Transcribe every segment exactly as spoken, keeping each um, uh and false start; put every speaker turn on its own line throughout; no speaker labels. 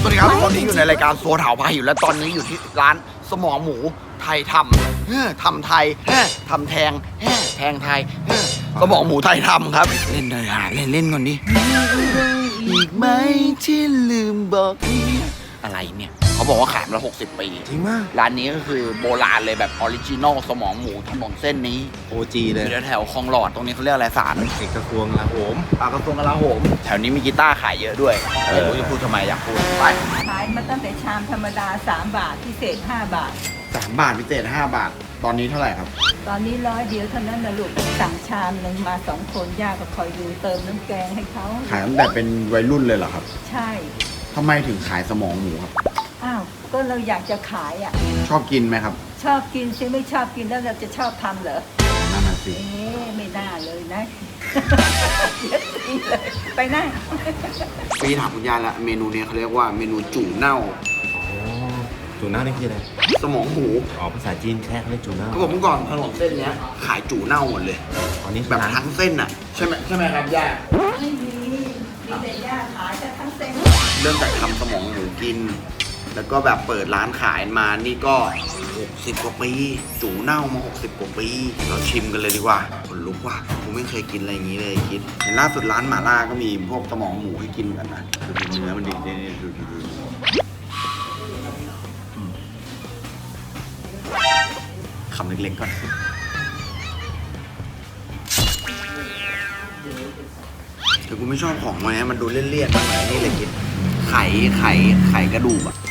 วัสดีครับตอนนี้อยู่ในรายการโซเถาพาหิวและตอนนี้อยู่ที่ร้านสมองหมูไทยทำเฮ้อทำไทยเฮ้อทำแทงเฮ้อแทงไทยเฮ้อสมองหมูไทยทำครับเล่นเลยหาเล่นเล่นก่อนดิอีกไหมที่ลืมบอกอะไรเนี่ยเขาบอกว่าขายมาแล้วหกสิบปีจริงมากร้านนี้ก็คือโบราณเลยแบบออริจินอลสมองหมูถนนเส้นนี้
โอ จี เลย
อยู่แถวคลองหลอดตรงนี้เขาเรียกอะไรศาล
เอกกระทรวงลาโหม
ปากกระทรวงกลาโหมแถวนี้มีกีตาร์ขายเยอะด้วยไม่รู้จะพูดทำไมอยากพูดไป
ขายมาตั้งแต่ชามธรรมดาสามบาทพิเศษห้าบาท
สามบาทพิเศษห้าบาทตอนนี้เท่าไหร่ครับ
ตอนนี้ร้อยเดียวเท่านั้นนะลูกสั่งชามหนึ่งมาสองคนย่าก็คอยดูเติมน้ำแกงให้เขา
ขายตั้งแต่เป็นวัยรุ่นเลยเหรอครับ
ใช่
ทำไมถึงขายสมองหมูครับ
อ้าวก็เราอยากจะขายอ่ะ
ชอบกินไหมครับ
ชอบกินซิไม่ชอบกินแล้วเราจะชอบทำเหรอ
นั่นน่ะสิ
เอ๊ะไม่น่าเลยนะ เย็ดตีเลยไปนั่ง
พี่ถามคุณย่าละเมนูนี้เขาเรียกว่าเมนูจู่เน่า
อ๋อจูน่านี่คืออะไร
สมองหมู
อ๋อภาษาจีนแค่เขาเรียกจูน่า
เขาบอกเมื่อก่อนถนนเส้นเนี้ยขายจู่เน่าหมดเลย
อ๋อนี่
แบบทั้งเส้นอ่ะใช่ไหมใช่ไหมครับย่า
ไม่มีมีแต่ย่าขายแต่ทั้งเซ็ง
เริ่มจากทำสมองหมูกิน แล้วก็แบบเปิดร้านขายมานี่ก็หกสิบกว่าปีจู่เน่ามาหกสิบกว่าปีเราชิมกันเลยดีกว่าคนลุกว่ะผมไม่เคยกินอะไรอย่างนี้เลยคิดเห็นล่าสุดร้านหม่าล่าก็มีพวกสมองหมูให้กินกันนะดูดิเนื้อมันดีนี่ดูดูดูอืมคำเล็กๆก่อนแต่กูไม่ชอบของมันนะมันดูเลี่ยนๆมันเหมือนนี่เลยคิดไข่ไข่ไข่กระดูกอะ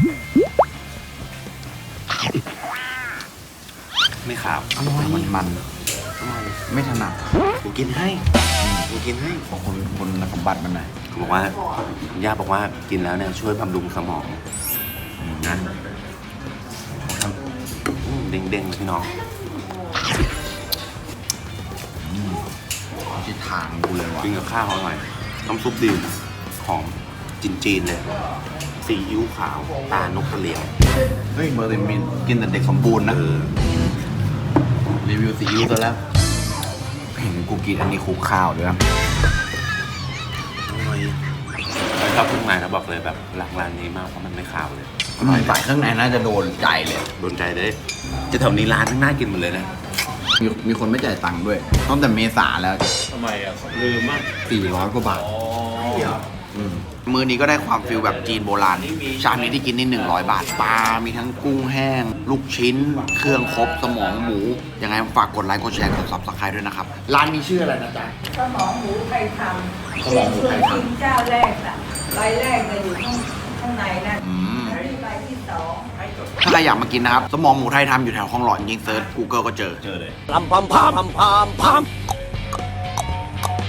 ไม่ขาวอร่อยมันมันอร่อยไม่ถนัดกูกินให้กูกินให้ของคนคนสมบัติมันหน่อย
เขาบอกว่าย่าบอกว่ากินแล้วเนี่ยช่วยบำรุงสมองนะเด้งๆเลยพี่น้อง
ทิศทางกูเลยว่ะ
กินกับข้าวอร่อยน้ำซุปดีหอมจีนๆเลยซีอิ๊วขาวตานกกระเหลี่ยง
เฮ้ยเบอร์เดมินกินแต่เด็กสมบูรณ์นะ
เออ
รีวิวซีอิ๊วซะแล้วเห็นกูกินอันนี้คลุกข้าวด้วยนะ
อร่อยแล้วชอบเครื่องในนะบอกเลยแบบหลักร้านนี้มากเพราะมันไม่ขาวเลย
มันใส่เครื่องในน่าจะโดนใจเลย
โดนใจเลยจะแถวนี้ร้านทั้งน่ากินหมดเลยนะ
มีมีคนไม่จ่ายตังค์ด้วยตั้งแต่เมษาแล้ว
ทำไมอ่ะลืมมาก
สี่ร้อยกว่าบาท
อ๋อ
มมือนี้ก็ได้ความฟิลแบบจีนโบราณชามนี้ที่กินนี่หนึ่งร้อยบาทปลา มีทั้งกุ้งแห้ง ลูกชิ้น เครื่องครบสมองหมู ยังไงฝากกดไลค์ กดแชร์ กดซับสไครต์ด้วยนะครับ ร้านมีชื่ออะไรนะจ๊ะ
สมองหมูไทยทำ
สมองหมูไทยทำ
เป็นเจ้าแรกน่ะใบแรกเลยอยู่ข้างข้างในนั่น
อืม
แล้วที่ใบที่สอง
ถ้าใครอยากมากินนะครับ สมองหมูไทยทำอยู่แถวคลองหลอดยิงเซิร์ช Google ก็เจอ
เจอเลย
พามพามพามพามพาม